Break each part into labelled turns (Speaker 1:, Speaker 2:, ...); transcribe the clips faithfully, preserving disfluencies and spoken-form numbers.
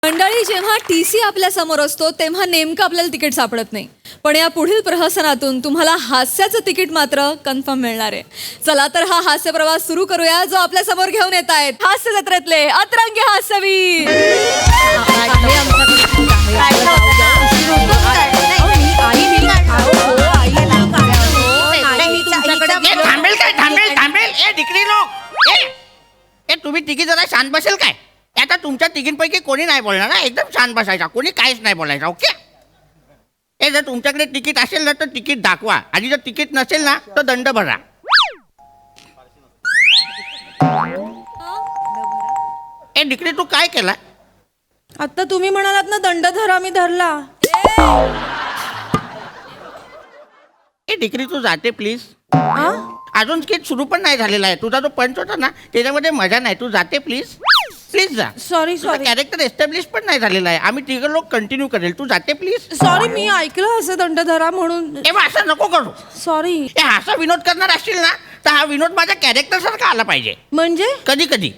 Speaker 1: मंडळी, जेव्हा T C आपल्या समोर असतो तेव्हा नेमकं आपल्याला तिकीट सापडत नाही, पण या पुढील प्रहसनातून तुम्हाला हास्याचं तिकीट मात्र कन्फर्म मिळणार आहे. चला तर हा हास्य प्रवास सुरू करूया, जो आपल्या समोर घेऊन येत आहेत हास्य जत्रेतले अतरंगी हास्यवीर.
Speaker 2: थांबेल काय थांबेल थांबेल ए डिक्री लोक ए ए तुम्ही तिघी जरा शांत बसेल काय. आता तुमच्या तिघींपैकी कोणी नाही बोलणार ना, एकदम शांत बसायचा, कोणी काहीच नाही बोलायचं. ओके. ए जर तुमच्याकडे तिकीट असेल ना तर तिकीट दाखवा, आणि जर तिकीट नसेल ना तर दंड भरा. ए डिक्री तू काय केला?
Speaker 3: आता तुम्ही म्हणालात ना दंड धरा, मी धरला.
Speaker 2: ए डिक्री तू जाते प्लीज. अजून स्किट सुरू पण नाही झालेला आहे. तुझा जो पंच होता ना त्याच्यामध्ये मजा नाही. तू जाते प्लीज. प्लीज जा.
Speaker 3: सॉरी सॉरी
Speaker 2: कॅरेक्टर एस्टॅब्लिश पण नाही झालेला आहे. आम्ही तिघ लोक कंटिन्यू करेल. तू जाते प्लीज.
Speaker 3: सॉरी, मी ऐकलं असं दंड धरा म्हणून.
Speaker 2: तेव्हा असं नको करू.
Speaker 3: सॉरी.
Speaker 2: ए असा विनोद करणार असशील ना तर हा विनोद माझ्या कॅरेक्टर सारखा आला पाहिजे.
Speaker 3: म्हणजे
Speaker 2: कधी कधी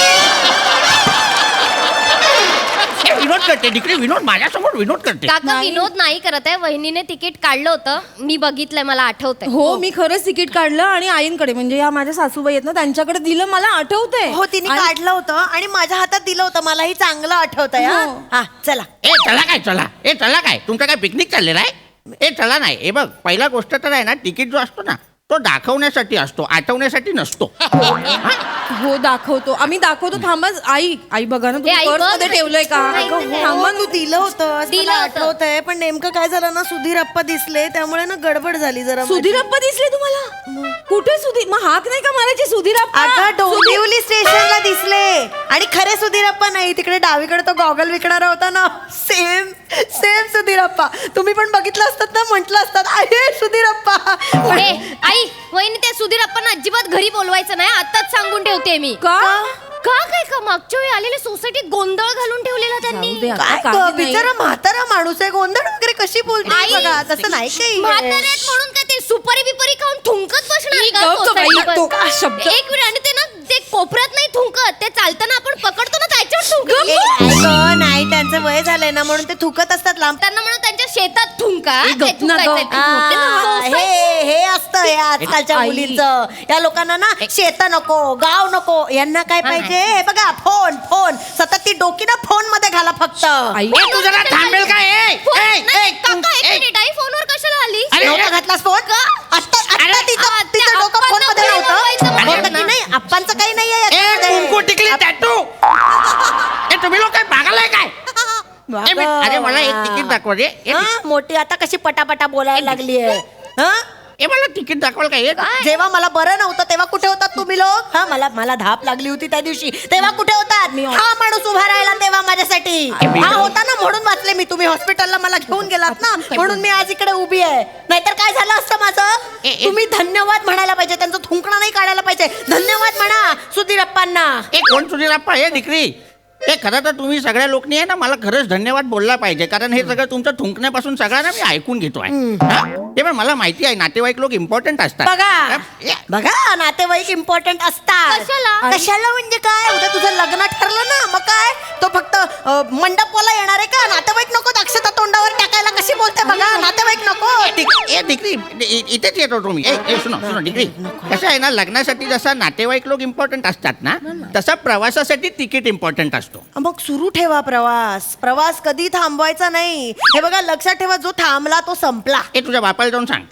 Speaker 2: विनोद करते डिक्री, विनोद माझ्यासमोर विनोद करते.
Speaker 4: काका विनोद नाही करत आहे. वहिनीने तिकीट काढलं होतं, मी बघितलंय, मला आठवतंय.
Speaker 3: हो, मी खरंच तिकीट काढलं आणि आईंकडे, म्हणजे या माझ्या सासूबाई आहेत ना त्यांच्याकडे दिलं. मला आठवतंय.
Speaker 5: हो, तिने काढलं होतं आणि माझ्या हातात दिलं होतं. मलाही चांगलं आठवतंय. हा
Speaker 3: हो.
Speaker 5: हा, चला.
Speaker 2: ए चला काय चला ए चला काय तुमचा काय पिकनिक चाललेला आहे? ए चला नाही. हे बघ, पहिला गोष्ट तर आहे ना, तिकीट जो असतो ना तो दाखवण्यासाठी असतो, आठवण्यासाठी नसतो.
Speaker 3: हो, दाखवतो आम्ही, दाखवतो. थांबा आई, आई बघा ना,
Speaker 4: ए,
Speaker 3: तुम्ही
Speaker 4: आई,
Speaker 3: पर्स
Speaker 4: बघ
Speaker 3: मध्ये
Speaker 4: ना.
Speaker 3: ठेवलंय का?
Speaker 4: नाही,
Speaker 3: अगं,
Speaker 4: नाही.
Speaker 3: थांबा
Speaker 5: तू दिलं होतं
Speaker 4: दिलं
Speaker 5: मला
Speaker 4: होतं.
Speaker 5: आठवतंय, पण नेमकं काय झालं ना, सुधीर अप्पा दिसले त्यामुळे ना गडबड झाली जरा.
Speaker 3: सुधीरप्पा दिसले तुम्हाला? कुठे सुधीर? मग हाक नाही का मारायची सुधीरप्पा?
Speaker 5: अगं डोंबिवली स्टेशनला दिसले. आणि खरे सुधीर अप्पा नाही, तिकडे डावीकडे तो गॉगल विकणारा होता ना, सेम सेम सुधीर अप्पा. तुम्ही पण बघितलं असतात ना, म्हटलं असतात आहे सुधीर अप्पा.
Speaker 4: ए, आई, वहिनी त्या सुधीर अप्पांना अजिबात घरी बोलवायचं नाही, आताच सांगून ठेवते मी.
Speaker 3: का?
Speaker 4: का काय का मागच्या वेळी आलेले सोसायटीत गोंधळ घालून ठेवलेला त्यांनी.
Speaker 3: जाऊ दे आता,
Speaker 5: काय
Speaker 3: काही
Speaker 5: गं,
Speaker 3: नाही.
Speaker 5: बिचारा म्हातारा माणूस आहे, गोंधळ वगैरे कशी बोलते
Speaker 4: आई,
Speaker 5: बघा. तसं नाही काही.
Speaker 4: म्हातारे आहेत म्हणून काय ते सुपारी बिपारी खाऊन थुंकत बसणार
Speaker 3: ई,
Speaker 4: का
Speaker 3: गप्प बाई,
Speaker 4: सोसायटीवर?
Speaker 3: तो काय शब्द?
Speaker 4: एक मिनिट, आणि ते ना ते कोपऱ्यात नाही थुंकत, ते चालताना आपण पकडतो ना त्याच्यावर
Speaker 5: ए,
Speaker 4: थुंकत.
Speaker 5: आई गं, नाही, त्यांचं वय झालंय ना म्हणून ते थुकत असतात लांब.
Speaker 4: त्यांना म्हणून त्यांच्या शेतात थुंका.
Speaker 3: ई,
Speaker 4: ते
Speaker 3: गप्प ना
Speaker 4: थुंकायचंय
Speaker 3: गं.
Speaker 4: ते
Speaker 5: आ,
Speaker 4: थुंकते ना.
Speaker 5: हे
Speaker 4: सोसायटी-
Speaker 5: हे असतं या आजकालच्या
Speaker 3: आई.
Speaker 5: मुलींचं. या लोकांना ना शेत नको, गाव नको, यांना काय पाहिजे? हे बघा, फोन फोन सतत ती डोकी ना फोन मध्ये घाला फक्त.
Speaker 3: आई,
Speaker 2: ए तू जरा थांबेल का? ए
Speaker 4: फोन-
Speaker 2: ए,
Speaker 4: नाही,
Speaker 2: ए,
Speaker 4: काका, एक
Speaker 2: ए,
Speaker 4: मिनिट, आई फोनवर कशाला आली?
Speaker 2: अरे,
Speaker 5: नव्हता घातलास फोन? आत्ता आत्ता तिचं
Speaker 4: आ,
Speaker 5: तिचं
Speaker 4: त्या
Speaker 5: डोकं फोन मध्ये
Speaker 4: अप्पांना बोलवायचं
Speaker 5: नव्हतं.
Speaker 4: म्हणून
Speaker 5: होतं की
Speaker 4: ना.
Speaker 5: नाही? अप्पांचं काही नाहीये
Speaker 2: ए
Speaker 5: याच्यामध्ये.
Speaker 2: कुंकू टिकली टॅटू. ए तुम्ही लोक काय पागल आहे काय? ए, मी- अरे मला एक तिकीट दाखवा रे. ए,
Speaker 5: हा, मोठी आता कशी पटापटा बोलायला लागली आहे.
Speaker 2: ए मला तिकीट दाखवाल काय?
Speaker 5: जेव्हा मला बरं नव्हतं तेव्हा कुठे होतात तुम्ही लोक? हा, मला मला धाप लागली होती त्या दिवशी, तेव्हा कुठे होतात? हा माणूस उभा राहिला तेव्हा माझ्यासाठी. हा होता ना म्हणून वाचले मी. तुम्ही हॉस्पिटलला मला घेऊन गेलात ना म्हणून मी आज इकडे उभी आहे. नाहीतर काय झालं असतं माझं?
Speaker 2: ए, ए.
Speaker 5: तुम्ही धन्यवाद म्हणायला पाहिजे, त्यांचं थुंकणं नाही काढायला पाहिजे. धन्यवाद म्हणा सुधीर अप्पांना.
Speaker 2: ए कोण सुधीर अप्पा? हे डिक्री. ए खरं तर तुम्ही सगळ्या लोकनी आहे ना मला खरंच धन्यवाद बोलला पाहिजे, कारण हे सगळं तुमचं थुंकण्यापासून सगळं ना मी ऐकून घेतोय. हा? ते पण मला माहिती आहे नातेवाईक लोक इम्पॉर्टंट असतात.
Speaker 5: बघा
Speaker 2: ए,
Speaker 5: बघा नातेवाईक इम्पॉर्टंट असतात.
Speaker 4: कशाला?
Speaker 5: कशाला म्हणजे काय? उद्या तुझं लग्न ठरलं ना, मग काय तो फक्त अ, मंडपाला येणार आहे का? नातेवाईक नको अक्षता तोंडावर टाकायला. कशी बोलते बघा, नातेवाईक नको.
Speaker 2: डिक- ए डिक्री इ- इथेच येतो तुम्ही. ए ए, सुनो सुनो डिक्री, कसं आहे ना, लग्नासाठी जसा नातेवाईक लोक इम्पॉर्टंट असतात ना तसा प्रवासासाठी तिकीट इम्पॉर्टंट असतो.
Speaker 5: मग सुरू ठेवा प्रवास. प्रवास कधी थांबवायचा नाही. हे बघा लक्षात ठेवा, जो थांबला तो संपला.
Speaker 2: ए तुझ्या बापाला जाऊन सांग.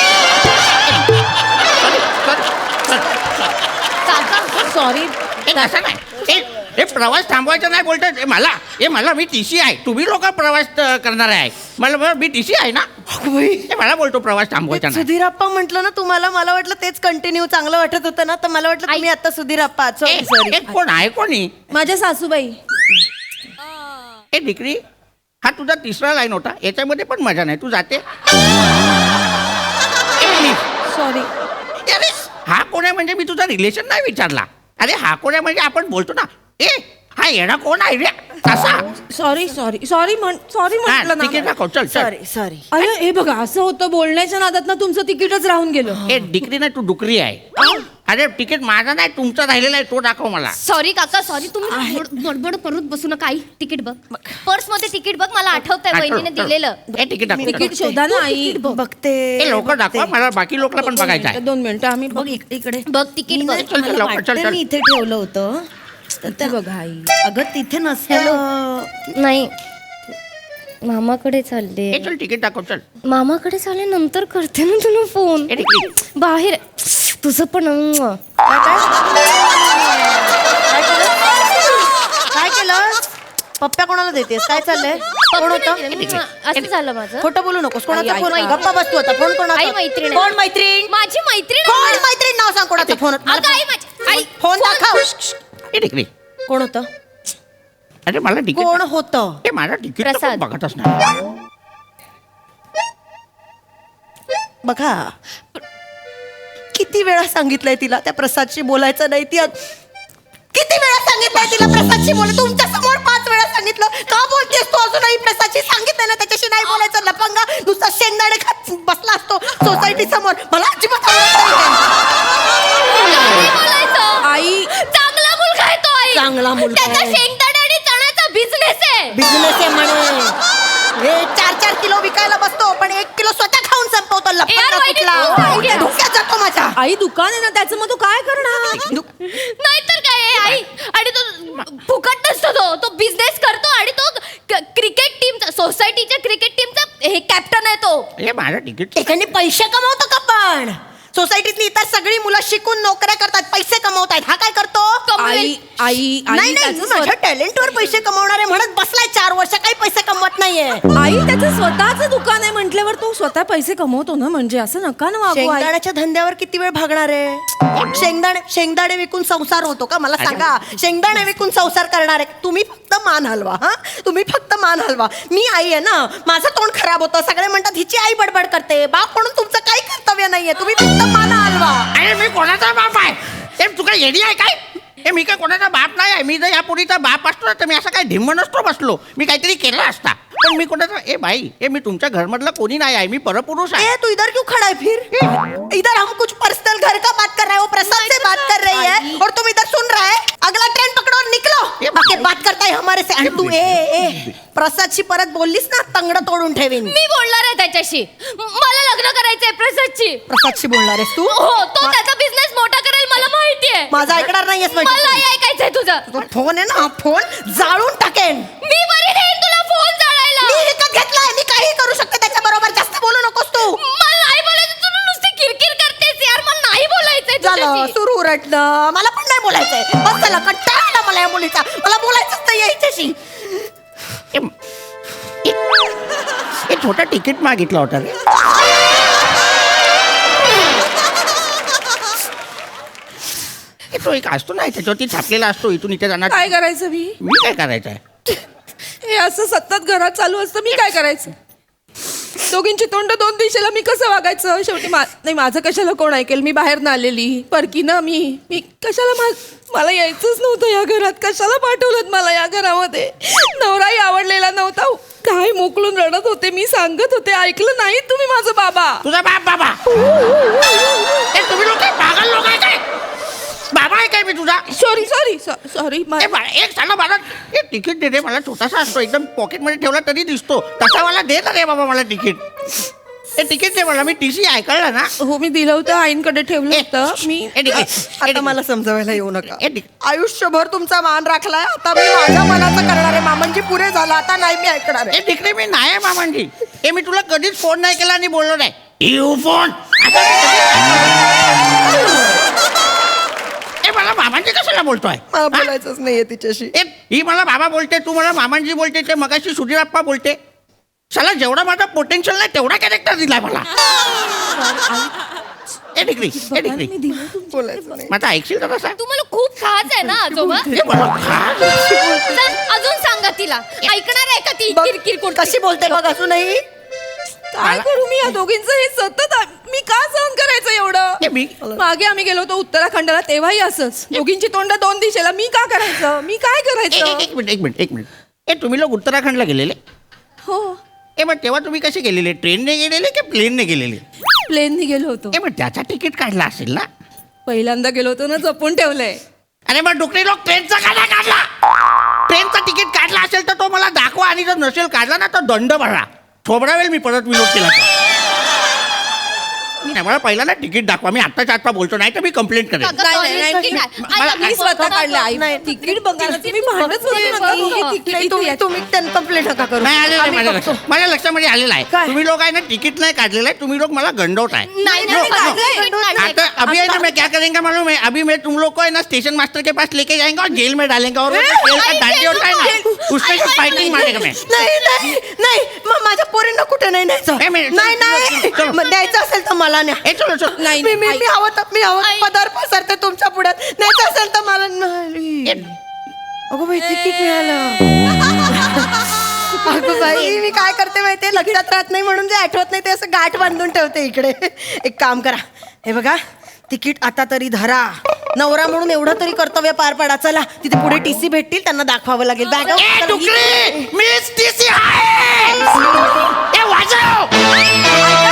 Speaker 3: सॉरी.
Speaker 2: ए तसं नाही. ए हे प्रवास थांबवायचा नाही बोलतात. ए मला ए मला मी टी सी आहे. तुम्ही लोक प्रवास अ, करणार आहे. मला बरं, मी टी सी आहे ना. ए मला बोलतो प्रवास थांबवायचा नाही.
Speaker 5: सुधीर अप्पा म्हटलं ना तुम्हाला, मला वाटलं तेच कंटिन्यू चांगलं वाटत होतं ना, तर मला वाटलं तुम्ही आता सुधीर अप्पा.
Speaker 2: ए,
Speaker 5: सॉरी
Speaker 2: ए,
Speaker 5: सॉरी.
Speaker 2: कोण आहे कोणी?
Speaker 3: माझ्या सासूबाई.
Speaker 2: ए डिक्री, हा तुझा तिसरा लाईन होता, याच्यामध्ये पण मजा नाही. तू जाते. ए, प्लीज.
Speaker 3: सॉरी.
Speaker 2: अरे हा कोण आहे म्हणजे मी तुझा रिलेशन नाही विचारला. अरे हा कोण आहे म्हणजे आपण बोलतो ना. ए हा येणा कोण आहे रे तसा.
Speaker 3: सॉरी सॉरी सॉरी म्हण सॉरी म्हटलं ना.
Speaker 2: तिकीट दाखव चल चल.
Speaker 5: Sorry sorry.
Speaker 3: अरे हे बघा, असं होतं बोलण्याच्या नादात ना तुमचं तिकीटच राहून गेलं.
Speaker 2: ए डिक्री नाही, तू डुकरी आहे. अरे तिकीट माझा नाही तुमचा राहिलेला आहे तो दाखव मला.
Speaker 4: सॉरी काका सॉरी तुम्ही बड- बडबड करत बसू नका. आई तिकीट बघ पर्स मध्ये तिकीट बघ मला आठवतंय वहिनीने दिलेलं.
Speaker 2: हे तिकीट दाखव.
Speaker 3: तिकीट शोधा ना आई.
Speaker 5: बघते
Speaker 2: हे लवकर दाखवा मला बाकी लोकला पण बघायचं आहे.
Speaker 3: दोन मिनिटं आम्ही
Speaker 5: बघ इक- इकडे
Speaker 4: बघ तिकीट
Speaker 5: मी
Speaker 4: बघ.
Speaker 5: नाही,
Speaker 2: चल, चल,
Speaker 5: मला
Speaker 2: लवकर, चल,
Speaker 5: वाटतं
Speaker 2: चल.
Speaker 5: मी इथे ठेवलं होतं तर
Speaker 3: ते बघा आई.
Speaker 5: अगं तिथे नसतं.
Speaker 4: नाही मामाकडे चालले.
Speaker 2: हे चल तिकीट दाखव चल.
Speaker 4: मामाकडे चालले नंतर करते ना तुला फोन.
Speaker 2: हे तिकीट.
Speaker 4: बाहेर तुझं पण अं.
Speaker 5: काय केलं पप्प्या कोणाला देतेस काय चाललंय कोण
Speaker 4: पप्पा
Speaker 5: होतं
Speaker 4: नाही दिलं. मी- असं झालं माझं.
Speaker 5: खोटं बोलू नकोस कोणाचा
Speaker 3: आई,
Speaker 5: फोन
Speaker 4: आई,
Speaker 5: गप्पा बसतो होता फोन कोणाचा
Speaker 4: आई, मैत्रीण आहे.
Speaker 5: कोण मैत्रीण
Speaker 4: माझी मैत्रीण
Speaker 5: कोण
Speaker 4: आहे.
Speaker 5: मैत्रीण नाव सांग कोणाचा फोन होता?
Speaker 4: अगं आई माझी आई
Speaker 5: फोन दाखव
Speaker 2: हे तिकीट.
Speaker 5: कोण होतं
Speaker 2: अरे मला तिकीट
Speaker 5: कोण
Speaker 2: दाखव.
Speaker 5: होतं
Speaker 2: हे माझा तिकीट तर
Speaker 4: प्रसाद.
Speaker 2: कोण बघतच नाही.
Speaker 5: बघा किती वेळा सांगितलंय तिला त्या प्रसादशी बोलायचं नाही ती अ- किती वेळा सांगितलंय तिला प्रसादशी बोल तुमच्या समोर पाच वेळा सांगितलं का बोलतेस तू अजूनही प्रसादशी सांगितलंय ना त्याच्याशी नाही बोलायचं लपंगा नुसता शेंगदाणे खात बसला असतो सोसायटी समोर मला अजिबात आवडत नाही
Speaker 4: नाही बोलायचं.
Speaker 3: आई
Speaker 4: चांगला मुलगा आहे तो आई.
Speaker 5: चांगला मुलगा
Speaker 4: त्याचा
Speaker 5: आहे.
Speaker 4: शेंगदाणे आणि चण्याचा बिझनेस आहे.
Speaker 5: बिझनेस आहे म्हणे हे चार चार किलो विकायला बसतो पण एक किलो स्वतः खाऊन संपवतो लपंगा
Speaker 4: यार, वहिनी,
Speaker 5: कुठला
Speaker 4: तू काय केलं?
Speaker 5: धोक्यात जातो माझ्या
Speaker 3: आई दुकान आहे ना त्याचं मग तू काय करणार?
Speaker 4: नाहीतर काय आहे, आई आणि तो फुकट नसतो तो तो बिझनेस करतो आणि तो क- क्रिकेट टीमचा सोसायटीच्या क्रिकेट टीमचा हे कॅप्टन आहे तो.
Speaker 2: हे माझं तिकीट.
Speaker 5: एखादी पैसे कमवतो का पण सोसायटीतली इतर सगळी मुलं शिकून नोकऱ्या करतात पैसे कमवतायत हा काय करतो
Speaker 4: कमवेल.
Speaker 3: आई आई
Speaker 5: नाही
Speaker 3: आई
Speaker 5: नाही
Speaker 3: त्याचं
Speaker 5: माझ्या
Speaker 3: स्वत-
Speaker 5: टॅलेंटवर पैसे कमवणारे म्हणत बसलाय चार वर्ष काही पैसे कमवत नाहीये
Speaker 3: आई त्याचं स्वतःचं दुकान आहे म्हटल्यावर तो स्वतः पैसे कमवतो ना म्हणजे असं नका ना वागू आई.
Speaker 5: शेंगदाण्याच्या धंद्यावर किती वेळ भागणार आहे शेंगदाणे शेंगदाणे विकून संसार होतो का मला सांगा शेंगदाणे विकून संसार करणार आहे तुम्ही फक्त मान हलवा हा तुम्ही फक्त मान हलवा मी आई आहे ना माझं तोंड खराब होतं सगळे म्हणतात हिची आई बडबड करते बाप म्हणून तुमचं काही कर्तव्य नाहीये तुम्ही फक्त मान हलवा
Speaker 2: अरे मी कोणाचा बाप आहे हे तू काय येडी आहे काय हे मी काय कोणाचा बाप नाही आहे मी जर या पुरीचा बाप असतो ना तर मी असं काय धिम्म नसतो बसलो मी काहीतरी केलं असता पण मी कोणाचा ए भाई हे मी तुमच्या घरमधला कोणी नाही आहे मी परपुरुष आहे.
Speaker 5: ए तू इधर क्यों खड़ा है फिर इधर हम कुछ पर्सनल घर का बात कर रहे हैं वो प्रसाद से बात कर रही है और तुम इधर सुन रहा है अगला ट्रेन पकड़ो और निकलो बाकी बात करता है हमारे से आणि तू ए ए प्रसादशी परत बोललीस ना तंगड तोडून ठेवीन
Speaker 4: मी बोलणार आहे त्याच्याशी मला लग्न करायचंय प्रसादची.
Speaker 5: प्रसादशी बोलणार आहेस तू
Speaker 4: हो तो त्याचा बिझनेस मोठा करेल मला माहिती आहे.
Speaker 5: माझा ऐकणार नाहीयेस
Speaker 4: मला
Speaker 5: म्हणजे
Speaker 4: नाही ऐकायचंय तुझं.
Speaker 5: तो फोन आहे ना हा फोन जाळून टाकेन
Speaker 4: मी बरी देईन तुला फोन जाळायला.
Speaker 5: मी विकत घेतलाय मी काही करू शकते त्याच्या बरोबर जास्त बोलू नकोस तू
Speaker 4: मला नाही बोलायचं तू नुसती किरकिर करतेस यार मला नाही बोलायचंय
Speaker 5: झालं
Speaker 4: तुझ्याशी.
Speaker 5: सुरू उरटलं मला पण नाही बोलायचंय बस झालं कंटाळा आला मला या मुलीचा मला बोलायचंच नाही हिच्याशी
Speaker 2: हे हे छोटं तिकीट मागितलं होतं रे हे तो एक असतो ना त्याच्यावरती छापलेला असतो इथून इथे जाणार
Speaker 3: काय करायचं मी
Speaker 2: मी काय करायचं आहे
Speaker 3: हे असं सतत घरात चालू असतं मी काय करायचं दोघींची तोंड दोन दिशेला मी कसं वागायचं शेवटी मा नाही माझं कशाला कोण ऐकेल मी बाहेर ना आलेली परकी ना मी मी कशाला मा मला यायचंच नव्हतं या घरात कशाला पाठवलं मला या घरामध्ये नवराही आवडलेला नव्हता काय मोकळून रडत होते मी सांगत होते ऐकलं नाही तुम्ही माझं बाबा
Speaker 2: तुझा बाप बाबा हे तुम्ही लोक काय पागल लोक आहे काय बाबा आहे काय मी तुझा
Speaker 3: सॉरी सॉरी सॉरी
Speaker 2: ए बा- एक सांगा मला हे तिकीट दे रे मला छोटासा असतो एकदम पॉकेटमध्ये ठेवला तरी दिसतो तसा मला दे ना रे बाबा मला तिकीट हे तिकीट दे मला मी टी सी ऐकलं ना
Speaker 3: हो मी दिलं होतं आईंकडे ठेवलं
Speaker 2: ए,
Speaker 3: होतं मी
Speaker 2: हे तिकीट, हे
Speaker 5: आता
Speaker 2: तिकीट.
Speaker 5: मला समजवायला येऊ नका
Speaker 2: हे तिकीट.
Speaker 5: आयुष्यभर तुमचा मान राखलाय आता मी माझ्या मनाचं करणार आहे मामांजी पुरे झाला आता नाही मी ऐकणार आहे
Speaker 2: हे तिकडे मी नाही आहे मामांजी हे मी तुला कधीच फोन नाही केला आणि बोललो नाही यू फोन ए मला मामांजी कशाला बोलतोय
Speaker 5: मला
Speaker 2: हा?
Speaker 5: बोलायचंच नाहीये तिच्याशी
Speaker 2: ए, ही मला बाबा बोलते तू मला मामांजी बोलते ते मगाशी सुधीरप्पा बोलते चला जेवढा माझा पोटेन्शियल नाही तेवढा कॅरेक्टर दिलाय मला ए डिग्री ए डिग्री
Speaker 3: मी दिलं तुमचं.
Speaker 5: बोलायचं नाही
Speaker 2: माझा ऐकशील का तसा
Speaker 4: तुम्हाला खूप खास आहे ना आजोबा.
Speaker 2: ए, मला खास.
Speaker 4: चल, अजून सांगा तिला ऐकणार आहे का ती
Speaker 5: बघ,
Speaker 4: किरकिर कोणती?
Speaker 5: कशी बोलते बघ अजूनही
Speaker 3: काय करू मी या दोघींचं हे सतत आ- मी का सहन करायचं
Speaker 2: ए,
Speaker 3: एवढं
Speaker 2: मी
Speaker 3: मागे आम्ही गेलो होतो उत्तराखंडाला तेव्हाही असंच दोघींची तोंड दोन दिशेला मी का करायचं मी काय
Speaker 2: एक एक-
Speaker 3: करायचं
Speaker 2: एक मिनिट एक मिनिट एक मिनिट ए तुम्ही लोक उत्तराखंडला गेलेले
Speaker 3: हो
Speaker 2: ए मग तेव्हा तुम्ही कसे गेलेले ट्रेनने गेलेले की प्लेनने गेलेले
Speaker 3: प्लेननी गेलो होतो
Speaker 2: ए मग त्याचा तिकीट काढला असेल ना
Speaker 3: पहिल्यांदा गेलो होतो ना जपून ठेवलंय.
Speaker 2: अरे मग डुकरी लोक ट्रेनचा का नाही काढला? ट्रेनचा तिकीट काढला असेल तर तो मला दाखवा आणि जर नसेल काढला ना तर दंड भरा. थोबडावेल मी परत विनोद केला तर. नाही, मला पहिला ना तिकीट दाखवा. मी आत्ताच्या आत्ता बोलतो, नाही तर मी कंप्लेंट करेन.
Speaker 4: अगं,
Speaker 3: नाही,
Speaker 4: sorry,
Speaker 3: नाही,
Speaker 4: sorry,
Speaker 3: नाही.
Speaker 4: नाही.
Speaker 2: मला-
Speaker 4: आई,
Speaker 3: मी
Speaker 4: आई,
Speaker 3: स्वतः
Speaker 4: बघा,
Speaker 3: काढलं आई.
Speaker 5: नाही.
Speaker 3: तिकीट बघायला तुम्ही भांडत होते नका करू. हे तिकीट
Speaker 5: नाही, तुम्ही
Speaker 3: इथे
Speaker 5: तुम्ही त्यांना कंप्लेंट नका करू.
Speaker 2: नाही आलेलं आहे
Speaker 5: आम्ही
Speaker 2: माझ्या
Speaker 5: बघतो.
Speaker 2: लक्षात. माझ्या लक्षामध्ये आलेलं आहे.
Speaker 5: काय?
Speaker 2: तुम्ही लोक आहे ना तिकीट नाही काढलेलं आहे. तुम्ही लोक मला गंडवत आहे.
Speaker 4: नाही, नाही,
Speaker 2: नो,
Speaker 4: नाही,
Speaker 2: नो.
Speaker 4: नाही, नाही, नाही.
Speaker 2: आता अभी है ना मैं क्या करेंगे मालूम है? अभी मैं तुम लोग को है ना स्टेशन मास्टर के पास लेके जाएंगे और जेल में डालेंगे और वो जो जेल का
Speaker 4: आई,
Speaker 2: डांडी होता है ना
Speaker 4: जेल-
Speaker 2: उसमें
Speaker 4: आई,
Speaker 2: से
Speaker 4: आई,
Speaker 2: फाइटिंग मारेगा मैं.
Speaker 5: नाही नाही नाही मग माझ्या पोरींना कुठे नाही न्यायचं.
Speaker 2: नाही, मी-
Speaker 5: नाही नाही
Speaker 2: चलो.
Speaker 5: मग द्यायचं असेल तर मला न्या.
Speaker 2: ए चलो चलो.
Speaker 3: नाही,
Speaker 5: मी मी
Speaker 3: आई.
Speaker 5: मी हवं तर मी हवं
Speaker 4: आई.
Speaker 5: पदार्थ पसरते तुमच्या पुढ्यात. न्यायचं असेल तर मला नाही. अगं बाई तिकीट मिळालं. अगं बाई मी काय करते माहितीये, लक्षात राहत नाही म्हणून जे आठवत नाही ते असं गाठ बांधून ठेवते इकडे. एक काम करा, हे बघा तिकीट आता तरी धरा. नवरा म्हणून एवढं तरी कर्तव्य पार पाडा. चला तिथे पुढे टीसी भेटतील, त्यांना दाखवावं लागेल. बॅग
Speaker 2: ए डुकरी मिस टीसी आहे. ए वाजव.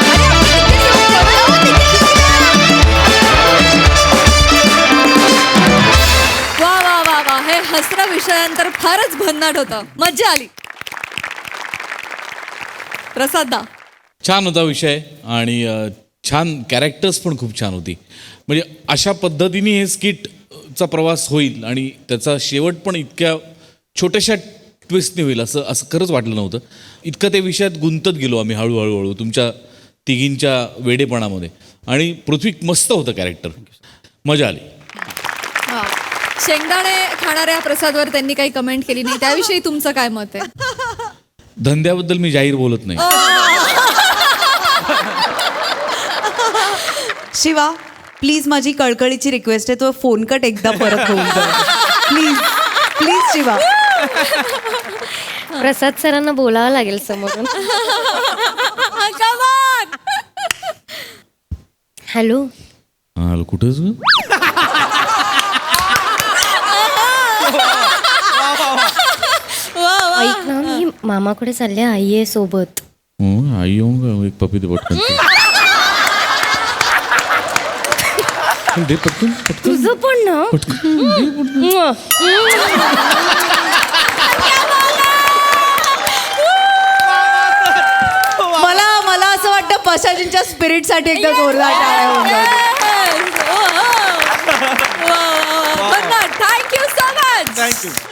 Speaker 1: वा वा वा वा हे हसरा विषयांतर फारच भन्नाट होतं. मज्जा आली. प्रसाद दा,
Speaker 6: छान होता विषय आणि अ, छान कॅरेक्टर्स पण खूप छान होती. म्हणजे अशा पद्धतीने हे स्किटचा प्रवास होईल आणि त्याचा शेवट पण इतक्या छोट्याशा ट्विस्टने होईल असं असं खरंच वाटलं नव्हतं. इतकं त्या विषयात गुंतत गेलो आम्ही हळूहळू हळू तुमच्या तिघींच्या वेडेपणामध्ये. आणि पृथ्वी मस्त होतं कॅरेक्टर, मजा आली.
Speaker 1: शेंगदाणे खाणाऱ्या प्रसादवर त्यांनी काही कमेंट केली नाही, त्याविषयी तुमचं काय मत आहे?
Speaker 6: धंद्याबद्दल मी जाहीर बोलत नाही.
Speaker 7: शिवा प्लीज माझी कळकळीची रिक्वेस्ट आहे, तो फोन कट एकदा परत होऊन जाईल प्लीज प्लीज शिवा.
Speaker 4: प्रसाद सरांना बोलावं लागेल समोरून.
Speaker 1: Come on!
Speaker 4: हॅलो
Speaker 6: हा कुठेच ग?
Speaker 4: ऐक ना, मी मामाकडे चालले, आई आहे सोबत.
Speaker 6: हो, आई येऊन का एक पपी दे पटकन. दे पटकन पटकन
Speaker 4: तुझं पण ना.
Speaker 7: मला मला असं वाटतं पशाजींच्या स्पिरिटसाठी एकदा जोरदार टाळ्या होऊन जाऊ.
Speaker 1: Yes! Oh, oh. Wow, wow, wow. But no, thank you so much.
Speaker 2: Thank you.